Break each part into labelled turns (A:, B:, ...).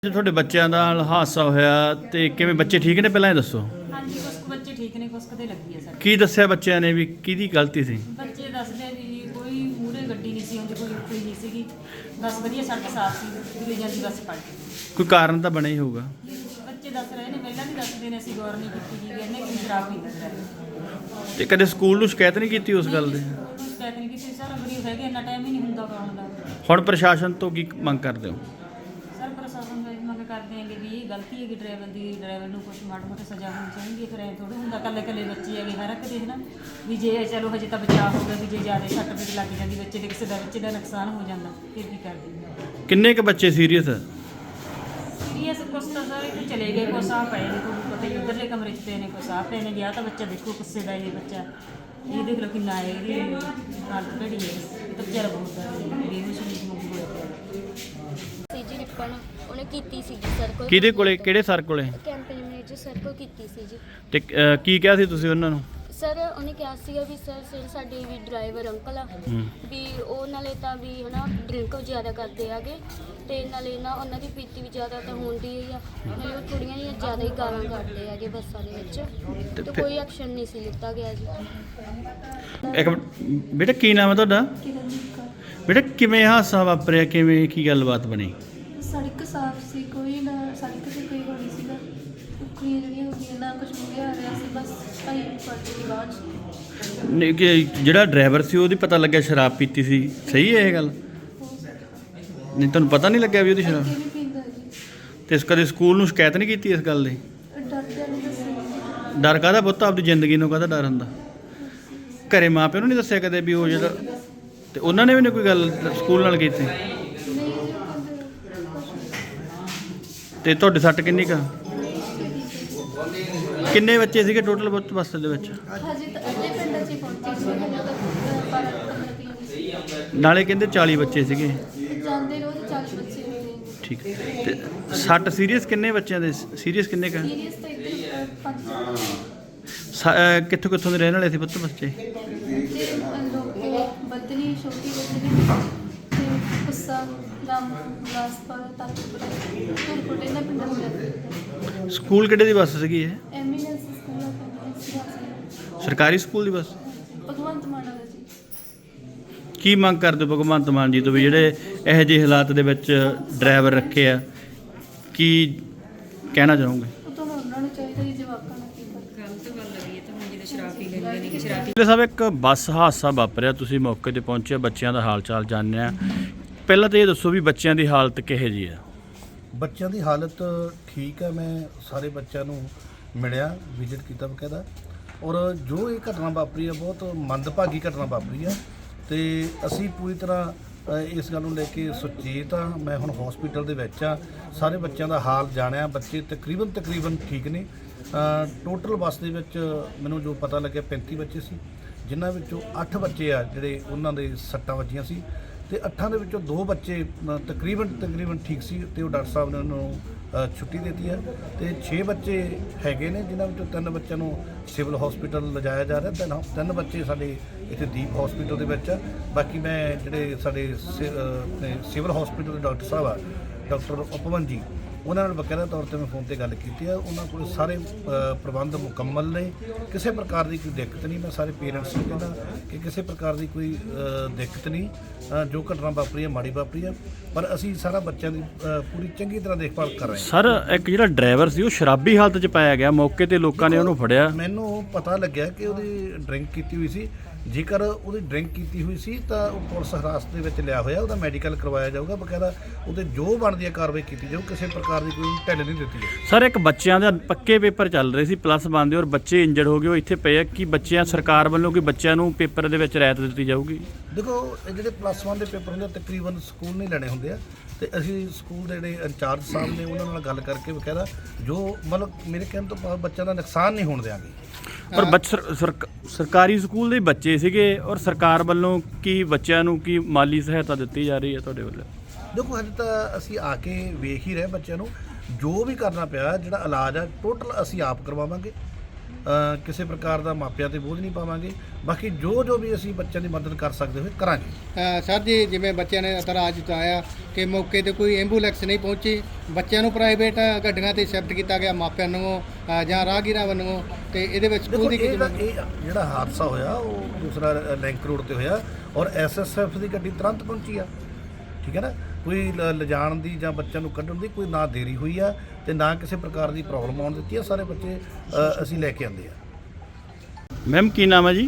A: ਤੁਹਾਡੇ ਬੱਚਿਆਂ ਨਾਲ ਹਾਦਸਾ ਹੋਇਆ ਤੇ ਕਿਵੇਂ ਬੱਚੇ ਠੀਕ ਨੇ ਪਹਿਲਾਂ ਇਹ ਦੱਸੋ।
B: ਹਾਂਜੀ ਕੁਛ ਕੁ ਬੱਚੇ ਠੀਕ ਨੇ ਕੁਛ ਕਦੇ ਲੱਗੀ ਹੈ ਸਰ।
A: ਕੀ ਦੱਸਿਆ ਬੱਚਿਆਂ ਨੇ ਵੀ ਕਿਹਦੀ ਗਲਤੀ ਸੀ?
B: ਬੱਚੇ ਦੱਸਦੇ ਵੀ ਕੋਈ ਮੂਹਰੇ ਗੱਡੀ ਨਹੀਂ ਸੀ ਆਉਂਦੀ, ਕੋਈ ਰੁਕੀ ਨਹੀਂ ਸੀਗੀ, ਬਸ ਵਧੀਆ ਸੜਕ ਸਾਫ਼ ਸੀ, ਦੂਰੇ ਜਾਂਦੀ ਬੱਸ ਪਲਟ ਗਈ।
A: ਕੋਈ ਕਾਰਨ ਤਾਂ ਬਣਿਆ ਹੀ ਹੋਊਗਾ।
B: ਬੱਚੇ ਦੱਸ ਰਹੇ ਨੇ, ਪਹਿਲਾਂ ਵੀ ਦੱਸਦੇ ਨੇ, ਅਸੀਂ ਗੌਰ ਨਹੀਂ ਕੀਤੀ ਜੀ, ਇਹਨੇ ਕਿ ਸ਼ਰਾਬ ਪੀਂਦਾ ਡਰਾਈਵਰ।
A: ਤੇ ਕਦੇ ਸਕੂਲ ਨੂੰ ਸ਼ਿਕਾਇਤ ਨਹੀਂ ਕੀਤੀ ਉਸ ਗੱਲ ਦੀ?
B: ਕੋਈ ਸ਼ਿਕਾਇਤ ਨਹੀਂ ਕੀਤੀ ਸਰ, ਗਰੀਬ ਹੈਗੇ, ਇੰਨਾ ਟਾਈਮ ਹੀ ਨਹੀਂ ਹੁੰਦਾ ਗਾਉਣ ਦਾ।
A: ਹੁਣ ਪ੍ਰਸ਼ਾਸਨ ਤੋਂ ਕੀ ਮੰਗ ਕਰਦੇ ਹੋ?
B: ਸਰ ਪ੍ਰਸ਼ਾਸਨ ਤੋਂ ਇਹ ਮੰਗ ਕਰਦੇ ਹੈਗੇ ਵੀ ਇਹ ਗਲਤੀ ਹੈਗੀ ਡਰਾਈਵਰ ਦੀ, ਡਰਾਈਵਰ ਨੂੰ ਕੁਛ ਮਾੜੀ ਮੋਟੀ ਸਜ਼ਾ ਹੋਣੀ ਚਾਹੀਦੀ ਹੈ। ਫਿਰ ਐਂ ਥੋੜ੍ਹਾ ਹੁੰਦਾ, ਇਕੱਲੇ ਇਕੱਲੇ ਬੱਚੇ ਹੈਗੇ, ਹਰ ਇੱਕ ਦੇ ਨਾ ਵੀ ਜੇ ਚਲੋ ਹਜੇ ਤਾਂ ਬਚਾਅ ਹੋ ਗਿਆ, ਵੀ ਜੇ ਜ਼ਿਆਦਾ ਸੱਟ ਫੇਟ ਲੱਗ ਜਾਂਦੀ ਬੱਚੇ ਦੇ, ਕਿਸੇ ਦਾ ਬੱਚੇ ਦਾ ਨੁਕਸਾਨ ਹੋ ਜਾਂਦਾ, ਫਿਰ ਕੀ ਕਰਦੇ?
A: ਕਿੰਨੇ ਕੁ ਬੱਚੇ ਸੀਰੀਅਸ?
B: ਸੀਰੀਅਸ ਕੁਛ ਤਾਂ ਸਾਰੇ ਇੱਥੇ ਚਲੇ ਗਏ, ਕੁਛ ਆ ਪਏ ਨੇ, ਤੁਹਾਨੂੰ ਪਤਾ ਹੀ ਉੱਧਰਲੇ ਕਮਰੇ 'ਚ ਪਏ ਨੇ, ਕੁਛ ਆ ਪਏ ਨੇ। ਗਿਆ ਤਾਂ ਬੱਚਾ ਦੇਖੋ ਗੁੱਸੇ ਦਾ ਇਹ ਬੱਚਾ, ਇਹ ਦੇਖ ਲਓ ਕਿੰਨਾ ਹੈ, ਇਹਦੀ ਹਾਲਤ ਭੈੜੀ ਹੈ, ਇਹ ਤਾਂ ਵਿਚਾਰਾ ਬਹੁਤ ਬੇਹੋਸ਼ ਹੋਇਆ ਪਿਆ।
C: ਸੀ ਜੀ ਰਿਪਨ ਉਹਨੇ ਕੀਤੀ ਸੀ ਜੀ ਸਰ ਕੋਲ।
A: ਕਿਹਦੇ ਕੋਲੇ, ਕਿਹੜੇ ਸਰ ਕੋਲੇ?
C: ਕੈਂਪੇਨ ਮੈਨੇਜਰ ਸਰ ਕੋਲ ਕੀਤੀ ਸੀ ਜੀ।
A: ਤੇ ਕੀ ਕਿਹਾ ਸੀ ਤੁਸੀਂ ਉਹਨਾਂ ਨੂੰ?
C: ਸਰ ਉਹਨੇ ਕਿਹਾ ਸੀਗਾ ਵੀ ਸਰ ਸਾਡੇ ਵੀ ਡਰਾਈਵਰ ਅੰਕਲ ਆ ਵੀ ਉਹ ਨਾਲੇ ਤਾਂ ਵੀ ਹਨਾ ਡਰਿੰਕ ਜ਼ਿਆਦਾ ਕਰਦੇ ਆਗੇ, ਤੇ ਨਾਲੇ ਨਾ ਉਹਨਾਂ ਦੀ ਪੀਤੀ ਵੀ ਜ਼ਿਆਦਾ ਤਾਂ ਹੁੰਦੀ ਹੀ ਆ, ਨਾਲੇ ਉਹ ਥੋੜ੍ਹੀਆਂ ਜਿਹੀਆਂ ਜ਼ਿਆਦਾ ਹੀ ਗਾਲਾਂ ਕੱਢਦੇ ਆਗੇ ਬੱਸਾਂ ਦੇ ਵਿੱਚ, ਤੇ ਕੋਈ ਐਕਸ਼ਨ ਨਹੀਂ ਸੀ ਲਿੱਤਾ ਗਿਆ ਜੀ।
A: ਇੱਕ ਬੇਟਾ ਕੀ ਨਾਮ ਹੈ ਤੁਹਾਡਾ? ਬੇਟਾ ਕਿਵੇਂ ਹਾਦਸਾ ਵਾਪਰਿਆ, ਕਿਵੇਂ ਕੀ ਗੱਲਬਾਤ ਬਣੀ?
D: ਸੜਕ ਸਾਫ਼ ਸੀ, ਕੋਈ ਨਾ ਸੜਕ 'ਤੇ ਕੋਈ ਹੋਣੀ ਸੀਗਾ, ਕੁੱਕੜੀਆਂ ਜਿਹੜੀਆਂ ਹੁੰਦੀਆਂ ਨਾ ਕੁਛ ਮੁੰਗਿਆ ਆ ਰਿਹਾ ਸੀ, ਬਸ ਭਾਈ ਪਲਟ ਗਈ ਬਾਅਦ 'ਚ।
A: ਨਹੀਂ ਕਿ ਜਿਹੜਾ ਡਰਾਈਵਰ ਸੀ ਉਹਦੀ ਪਤਾ ਲੱਗਿਆ ਸ਼ਰਾਬ ਪੀਤੀ ਸੀ, ਸਹੀ ਹੈ ਇਹ ਗੱਲ?
D: ਹੋ ਸਕਦਾ
A: ਨਹੀਂ ਤੁਹਾਨੂੰ ਪਤਾ ਨਹੀਂ ਲੱਗਿਆ ਵੀ ਉਹਦੀ ਸ਼ਰਾਬ?
D: ਅੱਗੇ ਵੀ ਪੀਂਦਾ ਜੀ,
A: ਤੇ ਕਦੇ ਸਕੂਲ ਨੂੰ ਸ਼ਿਕਾਇਤ ਨਹੀਂ ਕੀਤੀ ਇਸ ਗੱਲ ਦੀ?
D: ਡਰਦਿਆਂ ਨੂੰ ਦੱਸਿਆ।
A: ਡਰ ਕਾਹਦਾ ਪੁੱਤ, ਆਪਦੀ ਜ਼ਿੰਦਗੀ ਨੂੰ ਕਾਹਦਾ ਡਰ ਹੁੰਦਾ? ਘਰੇ ਮਾਂ ਪਿਓ ਨੂੰ ਨਹੀਂ ਦੱਸਿਆ ਕਦੇ ਵੀ ਉਹ ਜਿਹੜਾ, ਤੇ ਉਹਨਾਂ ਨੇ ਵੀ ਨਹੀਂ ਕੋਈ ਗੱਲ ਸਕੂਲ ਨਾਲ ਕੀਤੀ?
D: ਨਹੀਂ ਜੀ ਉਹ ਕਹਿੰਦੇ ਕੁਛ ਨਹੀਂ।
A: ਤੇ ਤੁਹਾਡੇ ਸੱਟ ਕਿੰਨੀ ਕਾ? ਕਿੰਨੇ ਬੱਚੇ ਸੀਗੇ ਟੋਟਲ ਬੱਸ ਦੇ ਵਿੱਚ?
D: ਹਜੇ ਤਾਂ ਅੱਧੇ ਪਿੰਡਾਂ 'ਚ ਹੀ ਪਹੁੰਚੇ ਸੀ, ਹਜੇ ਤਾਂ 12-15 ਕਿਲੋਮੀਟਰ
A: ਨਾਲੇ ਕਹਿੰਦੇ 40 ਬੱਚੇ ਸੀਗੇ।
D: ਜਾਂਦੇ ਰੋਜ਼ 40 ਬੱਚੇ ਹੁੰਦੇ ਨੇ।
A: ਠੀਕ। ਤੇ ਸੱਟ ਸੀਰੀਅਸ ਕਿੰਨੇ ਬੱਚਿਆਂ ਦੇ? ਸੀਰੀਅਸ ਕਿੰਨੇ ਕਾ?
D: ਸੀਰੀਅਸ ਤਾਂ ਇੱਧਰ 5
A: ਕਿੱਥੋਂ ਕਿੱਥੋਂ ਦੇ ਰਹਿਣ ਵਾਲੇ ਸੀ ਪੁੱਤ ਬੱਚੇ?
D: ਤੇ ਲੋਕ ਬੱਦਨੀ, ਛੋਟੀ ਬੱਦਨੀ ਤੇ ਗੁੱਸਾ, ਲਾਸਪੁਰ, ਤਾਜਪੁਰ, ਧੁਰਕੋਟ, ਇਹਨਾਂ ਪਿੰਡਾਂ ਨੂੰ ਜਾਂਦੇ।
A: ਸਕੂਲ ਕਿਹੜੇ ਦੀ ਬੱਸ ਸੀਗੀ ਇਹ?
D: ਐਮੀਨੈਂਸ ਸਕੂਲ ਆ,
A: ਸਰਕਾਰੀ ਸਕੂਲ ਦੀ ਬੱਸ?
D: ਭਗਵੰਤ ਮਾਨ ਵਾਲਾ ਜੀ।
A: ਕੀ ਮੰਗ ਕਰਦੇ ਹੋ ਭਗਵੰਤ ਮਾਨ ਜੀ ਤੋਂ ਵੀ ਜਿਹੜੇ ਇਹੋ ਜਿਹੇ ਹਾਲਾਤ ਦੇ ਵਿੱਚ ਡਰਾਈਵਰ ਰੱਖੇ ਆ, ਕੀ ਕਹਿਣਾ ਚਾਹੋਗੇ?
D: ਉਹ ਤਾਂ ਉਹਨਾਂ ਨੂੰ ਚਾਹੀਦਾ ਜੀ ਜਵਾਕਾਂ ਨੂੰ ਕੀ ਕਰ।
B: ਗਲਤ ਗੱਲ ਹੈ ਇਹ ਤਾਂ, ਹੁਣ ਜਿਹੜੇ ਸ਼ਰਾਬ ਪੀ ਲੈਂਦੇ ਨੇ, ਸ਼ਰਾਬ
A: ਪਿਛਲੇ ਸਾਹਿਬ ਇੱਕ ਬੱਸ ਹਾਦਸਾ ਵਾਪਰਿਆ, ਤੁਸੀਂ ਮੌਕੇ ਤੇ ਪਹੁੰਚੇ, ਬੱਚਿਆਂ ਦਾ ਹਾਲ ਚਾਲ ਜਾਣਿਆ। ਪਹਿਲਾਂ ਤਾਂ ਇਹ ਦੱਸੋ ਵੀ ਬੱਚਿਆਂ ਦੀ ਹਾਲਤ ਕਿਹੋ ਜਿਹੀ ਆ?
E: ਬੱਚਿਆਂ ਦੀ ਹਾਲਤ ਠੀਕ ਹੈ। ਮੈਂ ਸਾਰੇ ਬੱਚਿਆਂ ਨੂੰ ਮਿਲਿਆ, ਵਿਜ਼ਿਟ ਕੀਤਾ ਬਕਾਇਦਾ, ਔਰ ਜੋ ਇਹ ਘਟਨਾ ਵਾਪਰੀ ਹੈ ਬਹੁਤ ਮੰਦਭਾਗੀ ਘਟਨਾ ਵਾਪਰੀ ਹੈ, ਤੇ ਅਸੀਂ ਪੂਰੀ ਤਰ੍ਹਾਂ ਇਸ ਗੱਲ ਨੂੰ ਲੈ ਕੇ ਸੁਚੇਤ ਹਾਂ। ਮੈਂ ਹੁਣ ਹਸਪੀਟਲ ਦੇ ਵਿੱਚ ਆ, ਸਾਰੇ ਬੱਚਿਆਂ ਦਾ ਹਾਲ ਜਾਣਿਆ, ਬੱਚੇ ਤਕਰੀਬਨ ਠੀਕ ਨੇ। ਟੋਟਲ ਬੱਸ ਦੇ ਵਿੱਚ ਮੈਨੂੰ ਜੋ ਪਤਾ ਲੱਗਿਆ 35 ਬੱਚੇ ਸੀ, ਜਿਨ੍ਹਾਂ ਵਿੱਚੋਂ 8 ਬੱਚੇ ਆ ਜਿਹੜੇ ਉਹਨਾਂ ਦੇ ਸੱਟਾਂ ਵੱਜੀਆਂ ਸੀ, ਤੇ 8 ਦੇ ਵਿੱਚੋਂ 2 ਬੱਚੇ ਤਕਰੀਬਨ ਠੀਕ ਸੀ, ਤੇ ਉਹ ਡਾਕਟਰ ਸਾਹਿਬ ਨੇ ਉਹਨਾਂ ਨੂੰ ਛੁੱਟੀ ਦੇ ਦਿੱਤੀ ਹੈ, ਤੇ 6 ਬੱਚੇ ਹੈਗੇ ਨੇ, ਜਿਨ੍ਹਾਂ ਵਿੱਚੋਂ 3 ਬੱਚਿਆਂ ਨੂੰ ਸਿਵਲ ਹਸਪੀਟਲ ਲਿਜਾਇਆ ਜਾ ਰਿਹਾ। 3 ਬੱਚੇ ਸਾਡੇ ਇੱਥੇ ਦੀਪ ਹਸਪੀਟਲ ਦੇ ਵਿੱਚ ਆ। ਬਾਕੀ ਮੈਂ ਜਿਹੜੇ ਸਾਡੇ ਸਿਵਲ ਹਸਪੀਟਲ ਦੇ ਡਾਕਟਰ ਸਾਹਿਬ ਆ, ਡਾਕਟਰ ਉਪਵਨ ਜੀ, ਉਹਨਾਂ ਨਾਲ ਬਕਾਇਦਾ ਤੌਰ 'ਤੇ ਮੈਂ ਫੋਨ ਤੇ ਗੱਲ ਕੀਤੀ ਹੈ। ਉਹਨਾਂ ਕੋਲ ਸਾਰੇ ਪ੍ਰਬੰਧ ਮੁਕੰਮਲ ਨੇ, ਕਿਸੇ ਪ੍ਰਕਾਰ ਦੀ ਕੋਈ ਦਿੱਕਤ ਨਹੀਂ। ਮੈਂ ਸਾਰੇ ਪੇਰੈਂਟਸ ਨੂੰ ਕਹਿੰਦਾ ਕਿ ਕਿਸੇ ਪ੍ਰਕਾਰ ਦੀ ਕੋਈ ਦਿੱਕਤ ਨਹੀਂ। ਜੋ ਘਟਨਾ ਵਾਪਰੀ ਹੈ ਮਾੜੀ ਵਾਪਰੀ ਹੈ, ਪਰ ਅਸੀਂ ਸਾਰਾ ਬੱਚਿਆਂ ਦੀ ਪੂਰੀ ਚੰਗੀ ਤਰ੍ਹਾਂ ਦੇਖਭਾਲ ਕਰ ਰਹੇ ਹਾਂ।
A: ਸਰ ਇੱਕ ਜਿਹੜਾ ਡਰਾਈਵਰ ਸੀ ਉਹ ਸ਼ਰਾਬੀ ਹਾਲਤ 'ਚ ਪਾਇਆ ਗਿਆ, ਮੌਕੇ ਤੇ ਲੋਕਾਂ ਨੇ ਉਹਨੂੰ ਫੜਿਆ।
E: ਮੈਨੂੰ ਪਤਾ ਲੱਗਿਆ ਕਿ ਉਹਦੀ ਡਰਿੰਕ ਕੀਤੀ ਹੋਈ ਸੀ। ਜੇਕਰ ਉਹਦੀ ਡਰਿੰਕ ਕੀਤੀ ਹੋਈ ਸੀ ਤਾਂ ਉਹ ਪੁਲਿਸ ਹਿਰਾਸਤ ਦੇ ਵਿੱਚ ਲਿਆ ਹੋਇਆ, ਉਹਦਾ ਮੈਡੀਕਲ ਕਰਵਾਇਆ ਜਾਊਗਾ, ਬਕਾਇਦਾ ਉਹਦੇ ਜੋ ਬਣਦੀ ਹੈ ਕਾਰਵਾਈ ਕੀਤੀ ਜਾਊ। ਕਿਸੇ ਪ੍ਰਕਾਰ ਦੀ ਕੋਈ ਢਿੱਲ ਨਹੀਂ ਦਿੱਤੀ ਹੈ।
A: ਸਰ ਇੱਕ ਬੱਚਿਆਂ ਦਾ ਪੱਕੇ ਪੇਪਰ ਚੱਲ ਰਹੇ ਸੀ +1 ਦੇ, ਔਰ ਬੱਚੇ ਇੰਜਰਡ ਹੋ ਗਏ, ਉਹ ਇੱਥੇ ਪਏ ਆ। ਕਿ ਬੱਚਿਆਂ ਸਰਕਾਰ ਵੱਲੋਂ ਕਿ ਬੱਚਿਆਂ ਨੂੰ ਪੇਪਰ ਦੇ ਵਿੱਚ ਰਿਆਇਤ ਦਿੱਤੀ ਜਾਊਗੀ?
E: ਦੇਖੋ, ਇਹ ਜਿਹੜੇ +1 ਦੇ ਪੇਪਰ ਹੁੰਦੇ ਤਕਰੀਬਨ ਸਕੂਲ ਨਹੀਂ ਲੈਣੇ ਹੁੰਦੇ ਆ, ਤੇ ਅਸੀਂ ਸਕੂਲ ਦੇ ਜਿਹੜੇ ਇੰਚਾਰਜ ਸਾਹਿਬ ਨੇ ਉਹਨਾਂ ਨਾਲ ਗੱਲ ਕਰਕੇ ਬਕਾਇਦਾ ਜੋ ਮਤਲਬ ਮੇਰੇ ਕਹਿਣ ਤੋਂ ਬਾਅਦ ਬੱਚਿਆਂ ਦਾ ਨੁਕਸਾਨ ਨਹੀਂ ਹੋਣ ਦਿਆਂਗੇ।
A: ਪਰ ਸਰਕਾਰੀ ਸਕੂਲ ਦੇ ਬੱਚੇ ਸੀਗੇ, ਔਰ ਸਰਕਾਰ ਵੱਲੋਂ ਕੀ ਬੱਚਿਆਂ ਨੂੰ ਕੀ ਮਾਲੀ ਸਹਾਇਤਾ ਦਿੱਤੀ ਜਾ ਰਹੀ ਹੈ ਤੁਹਾਡੇ ਵੱਲੋਂ?
E: ਦੇਖੋ, ਹਜੇ ਤਾਂ ਅਸੀਂ ਆ ਕੇ ਵੇਖ ਹੀ ਰਹੇ ਬੱਚਿਆਂ ਨੂੰ, ਜੋ ਵੀ ਕਰਨਾ ਪਿਆ, ਜਿਹੜਾ ਇਲਾਜ ਆ ਟੋਟਲ ਅਸੀਂ ਆਪ ਕਰਵਾਵਾਂਗੇ। ਕਿਸੇ ਪ੍ਰਕਾਰ ਦਾ ਮਾਪਿਆਂ ਤੇ ਬੋਝ ਨਹੀਂ ਪਾਵਾਂਗੇ। ਬਾਕੀ ਜੋ ਵੀ ਅਸੀਂ ਬੱਚਿਆਂ ਦੀ ਮਦਦ ਕਰ ਸਕਦੇ ਹੋਏ ਕਰਾਂਗੇ।
F: ਸਰ ਜੀ, ਜਿਵੇਂ ਬੱਚਿਆਂ ਨੇ ਇਤਰਾਜ਼ ਜਤਾਇਆ ਕਿ ਮੌਕੇ ਤੇ ਕੋਈ ਐਂਬੂਲੈਂਸ ਨਹੀਂ ਪਹੁੰਚੀ, ਬੱਚਿਆਂ ਨੂੰ ਪ੍ਰਾਈਵੇਟ ਗੱਡੀਆਂ ਤੇ ਸ਼ਿਫਟ ਕੀਤਾ ਗਿਆ ਮਾਪਿਆਂ ਨੂੰ ਜਾਂ ਰਾਹਗੀਰਾਂ ਵੱਲੋਂ, ਤੇ ਇਹਦੇ ਵਿੱਚ ਸਕੂਲ ਦੀ
E: ਇਹ ਜਿਹੜਾ ਹਾਦਸਾ ਹੋਇਆ ਉਹ ਦੂਸਰਾ ਲਿੰਕ ਰੋਡ ਤੇ ਹੋਇਆ ਔਰ ਐਸਐਸਐਫ ਦੀ ਗੱਡੀ ਤੁਰੰਤ ਪਹੁੰਚੀ ਆ। ਠੀਕ ਹੈ ਨਾ, ਕੋਈ ਲਿਜਾਣ ਦੀ ਜਾਂ ਬੱਚਿਆਂ ਨੂੰ ਕੱਢਣ ਦੀ ਕੋਈ ਨਾ ਦੇਰੀ ਹੋਈ ਆ ਤੇ ਨਾ ਕਿਸੇ ਪ੍ਰਕਾਰ ਦੀ ਪ੍ਰੋਬਲਮ ਆਉਣ ਦਿੱਤੀ ਆ। ਸਾਰੇ ਬੱਚੇ ਅਸੀਂ ਲੈ ਕੇ ਆਂਦੇ ਆ।
A: ਮੈਮ ਕੀ ਨਾਮ ਹੈ ਜੀ?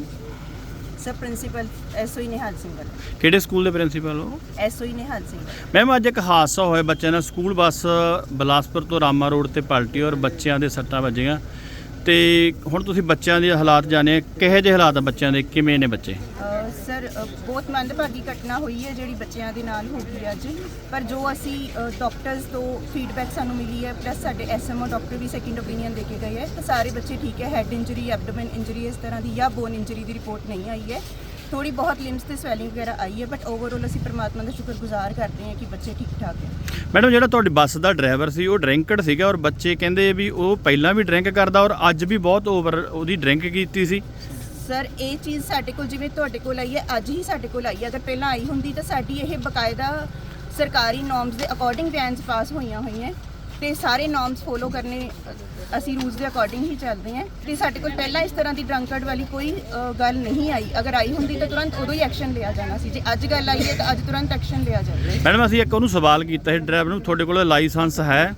G: Sir principal SOE Nihal Singh ਵੱਲ।
A: ਕਿਹੜੇ ਸਕੂਲ ਦੇ ਪ੍ਰਿੰਸੀਪਲ ਹੋ?
G: ਐਸਓਈ ਨਿਹਾਲ ਸਿੰਘ ਵੱਲ।
A: ਮੈਮ ਅੱਜ ਇੱਕ ਹਾਦਸਾ ਹੋਇਆ, ਬੱਚਿਆਂ ਨਾਲ ਸਕੂਲ ਬੱਸ ਬਿਲਾਸਪੁਰ ਤੋਂ ਰਾਮਾ ਰੋਡ ਤੇ ਪਲਟੀ ਔਰ ਬੱਚਿਆਂ ਦੇ ਸੱਟਾਂ ਵੱਜੀਆਂ, ਤੇ ਹੁਣ ਤੁਸੀਂ ਬੱਚਿਆਂ ਦੇ ਹਾਲਾਤ ਜਾਣੇ, ਕਿਹੋ ਜਿਹੇ ਹਾਲਾਤ ਆ ਬੱਚਿਆਂ ਦੇ, ਕਿਵੇਂ ਨੇ ਬੱਚੇ?
G: ਸਰ ਬਹੁਤ ਮੰਦਭਾਗੀ ਘਟਨਾ ਹੋਈ ਹੈ ਜਿਹੜੀ ਬੱਚਿਆਂ ਦੇ ਨਾਲ ਹੋ ਗਈ ਅੱਜ, ਪਰ ਜੋ ਅਸੀਂ ਡਾਕਟਰਸ ਤੋਂ ਫੀਡਬੈਕ ਸਾਨੂੰ ਮਿਲੀ ਹੈ, ਪਲੱਸ ਸਾਡੇ ਐਸਐਮਓ ਡਾਕਟਰ ਵੀ ਸੈਕਿੰਡ ਓਪੀਨੀਅਨ ਦੇ ਕੇ ਗਏ ਹੈ, ਤਾਂ ਸਾਰੇ ਬੱਚੇ ਠੀਕ ਹੈ। ਹੈਡ ਇੰਜਰੀ, ਐਬਡੋਮਨ ਇੰਜਰੀ ਇਸ ਤਰ੍ਹਾਂ ਦੀ ਜਾਂ ਬੋਨ ਇੰਜਰੀ ਦੀ ਰਿਪੋਰਟ ਨਹੀਂ ਆਈ ਹੈ। ਥੋੜੀ ਬਹੁਤ ਲਿੰਬਸ ਤੇ ਸਵੈਲਿੰਗ ਵਗੈਰਾ ਆਈ ਹੈ, ਬਟ ਓਵਰਆਲ ਅਸੀਂ ਪਰਮਾਤਮਾ ਦਾ ਸ਼ੁਕਰਗੁਜ਼ਾਰ ਕਰਦੇ ਹਾਂ ਕਿ ਬੱਚੇ ਠੀਕ ਠਾਕ ਹੈ।
A: ਮੈਡਮ ਜਿਹੜਾ ਤੁਹਾਡੀ ਬੱਸ ਦਾ ਡਰਾਈਵਰ ਸੀ ਉਹ ਡਰਿੰਕਡ ਸੀਗਾ ਔਰ ਬੱਚੇ ਕਹਿੰਦੇ ਵੀ ਉਹ ਪਹਿਲਾਂ ਵੀ ਡਰਿੰਕ ਕਰਦਾ ਔਰ ਅੱਜ ਵੀ ਬਹੁਤ ਓਵਰ ਉਹਦੀ ਡਰਿੰਕ ਕੀਤੀ ਸੀ।
G: ਸਰ ਇਹ ਚੀਜ਼ ਸਾਡੇ ਕੋਲ ਜਿਵੇਂ ਤੁਹਾਡੇ ਕੋਲ ਆਈ ਹੈ, ਅੱਜ ਹੀ ਸਾਡੇ ਕੋਲ ਆਈ ਹੈ। ਅਗਰ ਪਹਿਲਾਂ ਆਈ ਹੁੰਦੀ ਤਾਂ ਸਾਡੀ ਇਹ ਬਕਾਇਦਾ ਸਰਕਾਰੀ ਨੋਰਮਸ ਦੇ ਅਕੋਰਡਿੰਗ ਵੈਨਸ ਪਾਸ ਹੋਈਆਂ ਹੋਈਆਂ ਤੇ ਸਾਰੇ ਨੋਰਮਸ ਫੋਲੋ ਕਰਨੇ, ਅਸੀਂ ਰੂਲਸ ਦੇ ਅਕੋਰਡਿੰਗ ਹੀ ਚੱਲਦੇ ਹਾਂ। ਤੇ ਸਾਡੇ ਕੋਲ ਪਹਿਲਾਂ ਇਸ ਤਰ੍ਹਾਂ ਦੀ ਡਰੰਕਰਡ ਵਾਲੀ ਕੋਈ ਗੱਲ ਨਹੀਂ ਆਈ। ਅਗਰ ਆਈ ਹੁੰਦੀ ਤਾਂ ਤੁਰੰਤ ਉਦੋਂ ਹੀ ਐਕਸ਼ਨ ਲਿਆ ਜਾਣਾ ਸੀ। ਜੇ ਅੱਜ ਗੱਲ ਆਈ ਹੈ ਤਾਂ ਅੱਜ ਤੁਰੰਤ ਐਕਸ਼ਨ ਲਿਆ ਜਾਵੇ।
A: ਮੈਡਮ ਅਸੀਂ ਇੱਕ ਉਹਨੂੰ ਸਵਾਲ ਕੀਤਾ ਸੀ ਡਰਾਈਵਰ ਨੂੰ, ਤੁਹਾਡੇ ਕੋਲ ਲਾਇਸੈਂਸ ਹੈ?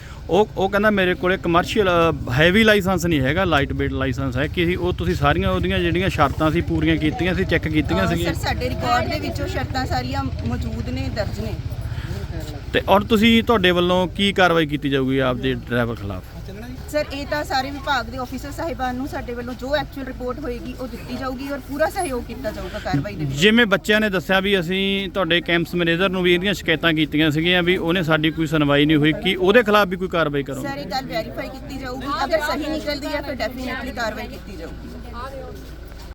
A: ਉਹ ਕਹਿੰਦਾ ਮੇਰੇ ਕੋਲੇ ਕਮਰਸ਼ੀਅਲ ਹੈਵੀ ਲਾਇਸੈਂਸ ਨਹੀਂ ਹੈਗਾ, ਲਾਈਟ ਵੇਟ ਲਾਇਸੈਂਸ ਹੈ। ਕਿ ਉਹ ਤੁਸੀਂ ਸਾਰੀਆਂ ਉਹਦੀਆਂ ਜਿਹੜੀਆਂ ਸ਼ਰਤਾਂ ਸੀ ਪੂਰੀਆਂ ਕੀਤੀਆਂ ਸੀ, ਚੈੱਕ ਕੀਤੀਆਂ ਸੀਗੀਆਂ?
G: ਸਰ ਸਾਡੇ ਰਿਕਾਰਡ ਦੇ ਵਿੱਚ ਉਹ ਸ਼ਰਤਾਂ ਸਾਰੀਆਂ ਮੌਜੂਦ ਨੇ, ਦਰਜ ਨੇ।
A: ਤੇ ਔਰ ਤੁਸੀਂ ਤੁਹਾਡੇ ਵੱਲੋਂ ਕੀ ਕਾਰਵਾਈ ਕੀਤੀ ਜਾਊਗੀ ਆਪਦੇ ਡਰਾਈਵਰ ਖਿਲਾਫ?
G: ਸਰ ਇਹ ਤਾਂ ਸਾਰੇ ਵਿਭਾਗ ਦੇ ਆਫੀਸਰ ਸਾਹਿਬਾਨ ਨੂੰ ਸਾਡੇ ਵੱਲੋਂ ਜੋ ਐਕਚੁਅਲ ਰਿਪੋਰਟ ਹੋਏਗੀ ਉਹ ਦਿੱਤੀ ਜਾਊਗੀ ਔਰ ਪੂਰਾ ਸਹਿਯੋਗ ਕੀਤਾ ਜਾਊਗਾ ਕਾਰਵਾਈ ਦੇ ਵਿੱਚ।
A: ਜਿਵੇਂ ਬੱਚਿਆਂ ਨੇ ਦੱਸਿਆ ਵੀ ਅਸੀਂ ਤੁਹਾਡੇ ਕੈਂਪਸ ਮੈਨੇਜਰ ਨੂੰ ਵੀ ਇਹਦੀਆਂ ਸ਼ਿਕਾਇਤਾਂ ਕੀਤੀਆਂ ਸੀਗੀਆਂ ਵੀ ਉਹਨੇ ਸਾਡੀ ਕੋਈ ਸੁਣਵਾਈ ਨਹੀਂ ਹੋਈ, ਕਿ ਉਹਦੇ ਖਿਲਾਫ ਵੀ ਕੋਈ ਕਾਰਵਾਈ ਕਰੋਗੇ?
G: ਸਰ ਇਹ ਗੱਲ ਵੈਰੀਫਾਈ ਕੀਤੀ ਜਾਊਗੀ, ਅਗਰ ਸਹੀ ਨਿਕਲਦੀ ਹੈ ਫਿਰ ਡੈਫੀਨਿਟਲੀ ਕਾਰਵਾਈ ਕੀਤੀ ਜਾਊਗੀ।